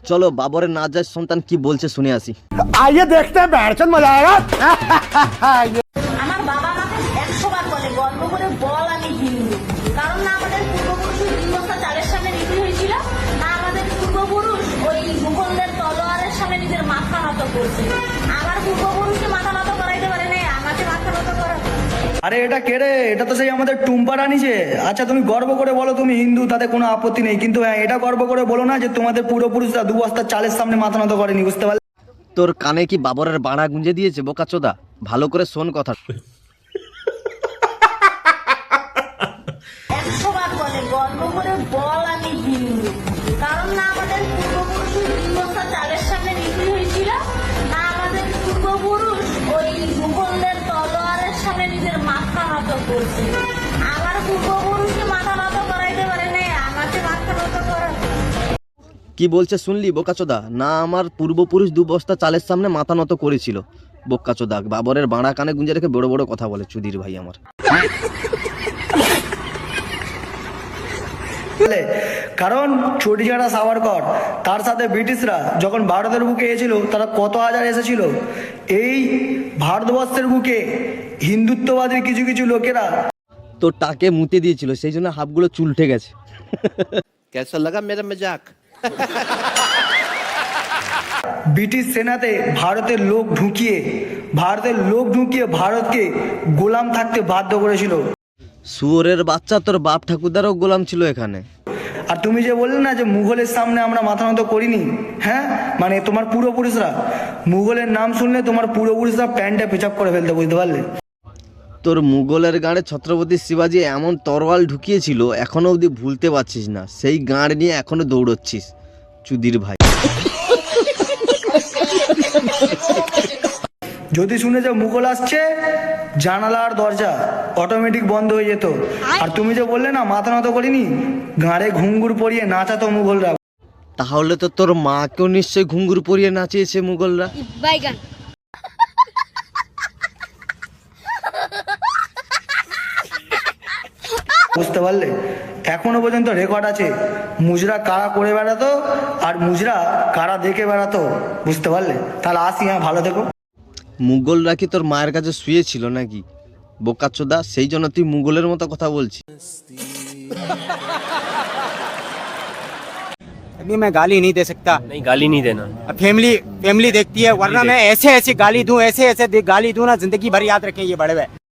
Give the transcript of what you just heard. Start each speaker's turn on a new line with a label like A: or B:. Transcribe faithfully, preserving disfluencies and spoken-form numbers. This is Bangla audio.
A: চলো বাবরের নাজায়েজ সন্তান কি বলছে শুনে আসি।
B: आइए देखते हैं बैठचंद मजा आएगा।
C: আমার বাবা আমাকে একশো বার বলে গল্প করে বল আমি হিন্দু, কারণ না আমাদের পূর্বপুরুষ তিন বস্তা চালের সামনে বিক্রি হয়েছিল, না আমাদের পূর্বপুরুষ ওই মুঘলদের তলোয়ারের সামনে নিজের মাথা নত করছে। আমার পূর্বপুরুষকে মাথা নত করাইতে পারে না, আমাকে মাথা নত করা।
D: আরে এটা কে রে? এটা তো সেই আমাদের টুম্পা রানী যে। আচ্ছা তুমি গর্ব করে বলো তুমি হিন্দু, তাতে কোনো আপত্তি নেই, কিন্তু হ্যাঁ এটা গর্ব করে বলো না যে তোমাদের পূর্বপুরুষরা দু বস্তা চালের সামনে মাথা নত করেনি, বুঝতে পারলে?
A: তোর কানে কি বাবরের বাড়া গুঁজে দিয়েছে বোকাচোদা? ভালো করে শোন কথা।
C: একশো বার বলে গল্প করে বল আমি হিন্দু, কারণ না আমাদের পূর্বপুরুষ তিন বস্তা চালের সামনে বিক্রি হয়েছিল, না আমাদের পূর্বপুরুষ ওই মুঘলদের তলোয়ারের সামনে নিজের মাথা নত করছে। আমার পূর্বপুরুষকে মাথা নত করাইতে পারে না, আমাকে মাথা নত করা।
A: কি বলছে শুনলি বোকাচোদা? না আমার পূর্বপুরুষ দু বস্তা চালের সামনে মাথা নত করেছিল। বোকাচোদা বাবরের বাড়া কানে গুঁজে রেখে বড় বড় কথা বলে চুদির ভাই আমার।
D: কারণ চটিজাড়া সাভারকর তার সাথে ব্রিটিশরা যখন ভারতের বুকে এসেছিল, তারা কত হাজার এসেছিল। এই ভারতবর্ষের বুকে হিন্দুত্ববাদী কিছু কিছু লোকেরা
A: তো টাকে মুতে দিয়েছিল, সেই জন্য হাফগুলো চুলটে গেছে।
E: कैसा लगा मेरा मजाक?
D: ব্রিটিশ সেনাতে ভারতের লোক ঢুকিয়ে ভারতের লোক ঢুকিয়ে ভারতকে গোলাম থাকতে বাধ্য করেছিল।
A: শুয়োরের বাচ্চা, তোর বাপ ঠাকুরদারও গোলাম ছিল এখানে।
D: আর তুমি যে বললে না যে মুঘলের সামনে আমরা মাথা নত করিনি, হ্যাঁ মানে তোমার পূর্বপুরুষরা, মুঘলের নাম শুনলে তোমার পূর্বপুরুষরা প্যান্টটা পেচাপ করে ফেলতে, বুঝতে পারলে?
A: তোর মুঘলের গাঁড়ে ছত্রপতি শিবাজি এমন তরোয়াল ঢুকিয়েছিল এখনো অবধি ভুলতে পারছিস না। সেই গাঁড় নিয়ে এখনো দৌড়চ্ছিস চুদির ভাই।
D: যদি শুনে যে মুঘল আসছে, জানালার দরজা অটোমেটিক বন্ধ হয়ে যেত। আর তুমি যে বললে না মাথা নত করিনি, গাঁড়ে ঘুঙ্গুর পরিয়ে নাচাতো মুঘলরা।
A: তাহলে তো তোর মাকেও নিশ্চয়ই ঘুঙ্গুর পরিয়ে নাচিয়েছে মুঘলরা।
D: বুঝতে পারলে? এখনো পর্যন্ত রেকর্ড আছে মুজরা কারা করে বেড়াতো আর মুজরা কারা দেখে বেড়াতো, বুঝতে পারলে? তাহলে আসি, হ্যাঁ ভালো থেকো।
A: মুঘলরা কি তোর মায়ের কাছে শুয়েছিল নাকি বোকাচোদা? সেই জন্য তুই মুঘলের মতো কথা বলছিস।
B: अभी मैं गाली नहीं दे सकता।
E: नहीं, गाली नहीं देना।
B: अब फैमिली फैमिली देखती है, वरना मैं ऐसे ऐसे गाली दूं, ऐसे ऐसे दे- गाली दूं ना, जिंदगी भर याद रखें ये बड़े हुए।